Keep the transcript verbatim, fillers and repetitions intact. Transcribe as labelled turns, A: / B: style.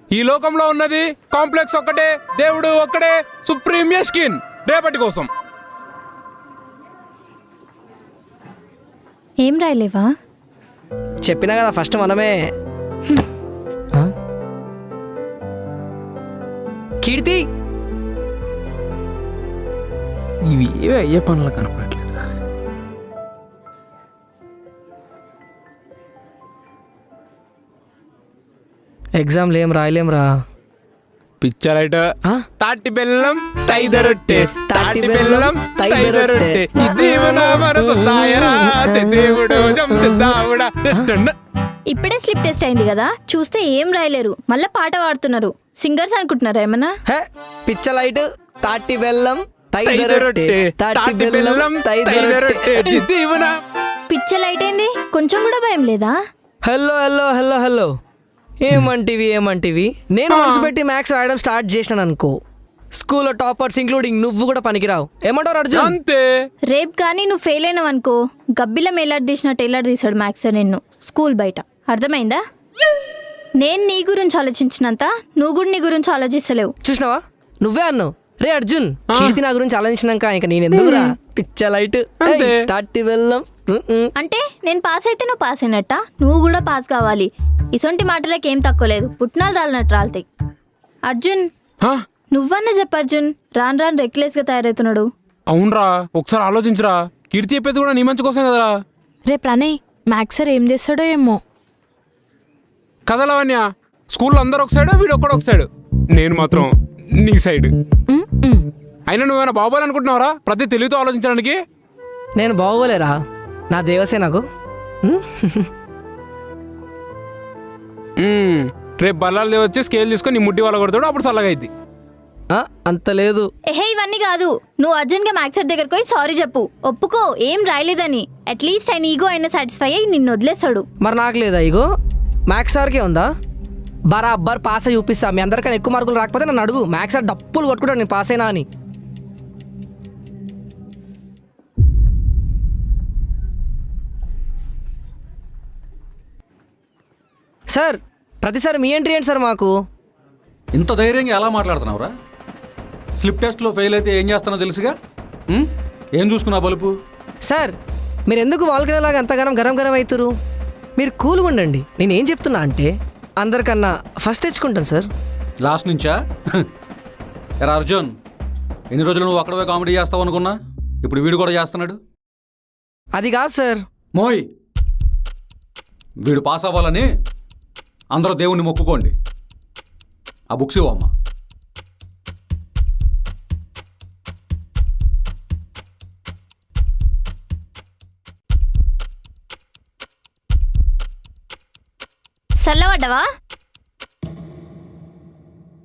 A: ఈ లోకంలో ఉన్నది కాంప్లెక్స్ ఒక్కటే, దేవుడు ఒక్కడే, సుప్రీం యష్కిన్. రేపటి కోసం
B: ఏం రాయలేవా?
C: చెప్పినా కదా ఫస్ట్ మనమే. ఆ? కీర్తి
A: ఇవి ఏవే అయ్యే పనులు కనపడట్లేదు.
C: ఎగ్జామ్లు ఏం రాయలేం రా.
A: పిక్చర్ అయితే
C: ఆ?
A: తాటి బెల్లం తైదరొట్టె, తాటి బెల్లం తైదరొట్టె, ఇది మన మనసు తాయరా, దేవుడు జంపిద్దావుడా.
B: ఇప్పుడే స్లిప్ టెస్ట్ అయింది కదా, చూస్తే ఏం రాయలేరు, మళ్ళీ పాట పాడుతున్నారు. సింగర్స్ అనుకుంటున్నారా ఏమన్నా?
C: హే పిచ్చ లైట్ తాటి బెల్లం
A: తైదరొట్టె, తాటి బెల్లం తైదరొట్టె, ఇది మన
B: పిచ్చ లైట్ అయింది, కొంచెం కూడా భయం లేదా?
C: హలో హలో హలో హలో ఏమంటివి ఏమంటివి నేను మనసు పెట్టి మ్యాథ్స్ రాయడం స్టార్ట్ చేసినాను అనుకో, స్కూల్లో టాపర్స్ ఇంక్లూడింగ్ నువ్వు కూడా పనికిరావు. ఏమంటారు అర్జున్?
A: అంతే.
B: రేపు కానీ నువ్వు ఫెయిల్ అయినావు అనుకో, గబ్బిలం ఎలాడ్ తీసిన టైలర్ తీసాడు మ్యాథ్స్ నిన్ను స్కూల్ బయట. అర్థమైందా? నేను నీ గురించి ఆలోచించినంత నువ్వు కూడా నీ గురించి ఆలోచిస్తలేవు.
C: చూసినావా, నువ్వే అన్నావు. రే అర్జున్, కీర్తి నా గురించి ఆలోచించినాక ఇంకా నేను ఎందుకురా పిచ్చ లైట్
A: అంతే.
C: తాటి బెల్లం.
B: అంటే నేను పాస్ అయితే నువ్వు పాస్ అయినట్ట, నువ్వు కూడా పాస్ కావాలి. ఇసొంటి మాటలకి ఏం తక్కువ లేదు, పుట్టినాలు రాలినట్టు రాలుతాయి. అర్జున్
A: హా?
B: నువ్వన్నా చెప్పు అర్జున్, రాను రాను రెక్లెస్ గా తయారవుతున్నాడు.
A: అవునరా, ఒకసారి ఆలోచించరా. కీర్తి చెప్పేది కూడా నీ మంచి కోసం కదరా.
D: రే ప్రణయ్, మ్యాథ్స్ సార్ ఏం చేస్తాడో ఏమో
A: కదలవన్య, స్కూల్లో అందరు ఒక సైడ్, వీడు ఒక్కడు ఒక సైడ్, నేను మాత్రం నీ సైడ్.
D: ఉమ్, ఉమ్.
A: అయినా నువ్వేమైనా బాగోవాలి అనుకుంటున్నావరా ప్రతి తెలివితో ఆలోచించడానికి?
C: నేను బాగోలేరా, నా దేవసే నాకు.
A: మ్మ్. రేపు బల్లాలు వచ్చి స్కేల్ తీసుకొని నీ ముడ్డి వాళ్ళ కొడతాడు, అప్పుడు చల్లగా అయింది.
C: ఆ, అంత లేదు.
B: ఎహే ఇవన్నీ కాదు, నువ్వు అర్జున్ గా మ్యాథ్స్ సార్ దగ్గరకు పోయి సారీ చెప్పు, ఒప్పుకో ఏం రాయలేదని. అట్లీస్ట్ ఆయన ఈగో అయినా సాటిస్ఫై అయ్యి నిన్ను వదిలేస్తాడు.
C: మరి నాకు లేదా ఇగో, మ్యాథ్స్ సార్కే ఉందా? బరాబర్ పాస్ అయ్యి చూపిస్తా. మీ అందరికన్నా ఎక్కువ మార్కులు రాకపోతే నన్ను అడుగు, మ్యాథ్స్ సార్ డప్పులు కొట్టుకుంటాను నేను పాస్ అయినా అని. సార్ ప్రతిసారి మీ ఎంట్రీ ఏంటి సార్ మాకు?
E: ఇంత ధైర్యంగా ఎలా మాట్లాడుతున్నావురా? స్లిప్ టెస్ట్లో ఫెయిల్ అయితే ఏం చేస్తానో తెలుసుగా. ఉం? ఏం చూసుకున్నా బలుపు?
C: సార్ మీరు ఎందుకు వాళ్ళకిలాగా అంతగానం గరం గరం అవుతారు? మీరు కూల్గా ఉండండి. నేను ఏం చెప్తున్నా అంటే అందరికన్నా ఫస్ట్ తెచ్చుకుంటాను సార్.
E: లాస్ట్ నుంచా? ఎరా అర్జున్, ఎన్ని రోజులు నువ్వు అక్కడవే కామెడీ చేస్తావు అనుకున్నా, ఇప్పుడు వీడు కూడా చేస్తున్నాడు.
C: అది కాదు సార్.
E: మోయ్, వీడు పాస్ అవ్వాలని అందరూ దేవుణ్ణి మొక్కుకోండి. ఆ బుక్స్ ఇవ్వమ్మా.
B: చల్లబడ్డవా?